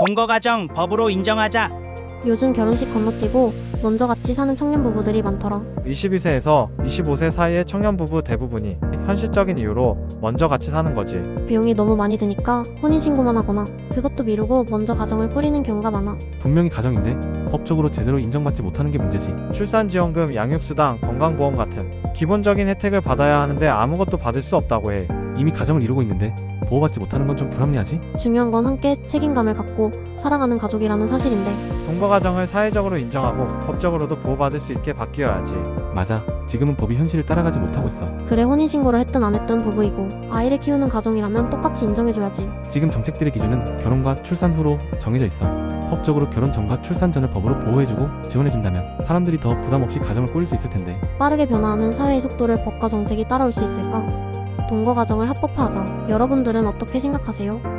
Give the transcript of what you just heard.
동거가정 법으로 인정하자. 요즘 결혼식 건너뛰고 먼저 같이 사는 청년 부부들이 많더라. 22세에서 25세 사이의 청년 부부 대부분이 현실적인 이유로 먼저 같이 사는 거지. 비용이 너무 많이 드니까 혼인신고만 하거나 그것도 미루고 먼저 가정을 꾸리는 경우가 많아. 분명히 가정인데 법적으로 제대로 인정받지 못하는 게 문제지. 출산지원금, 양육수당, 건강보험 같은 기본적인 혜택을 받아야 하는데 아무것도 받을 수 없다고 해. 이미 가정을 이루고 있는데 보호받지 못하는 건 좀 불합리하지? 중요한 건 함께 책임감을 갖고 살아가는 가족이라는 사실인데 동거가정을 사회적으로 인정하고 법적으로도 보호받을 수 있게 바뀌어야지. 맞아. 지금은 법이 현실을 따라가지 못하고 있어. 그래 혼인신고를 했든 안 했든 부부이고 아이를 키우는 가정이라면 똑같이 인정해줘야지. 지금 정책들의 기준은 결혼과 출산 후로 정해져 있어. 법적으로 결혼 전과 출산 전을 법으로 보호해주고 지원해준다면 사람들이 더 부담 없이 가정을 꾸릴 수 있을 텐데. 빠르게 변화하는 사회의 속도를 법과 정책이 따라올 수 있을까? 동거가정을 합법화하자. 여러분들은 어떻게 생각하세요?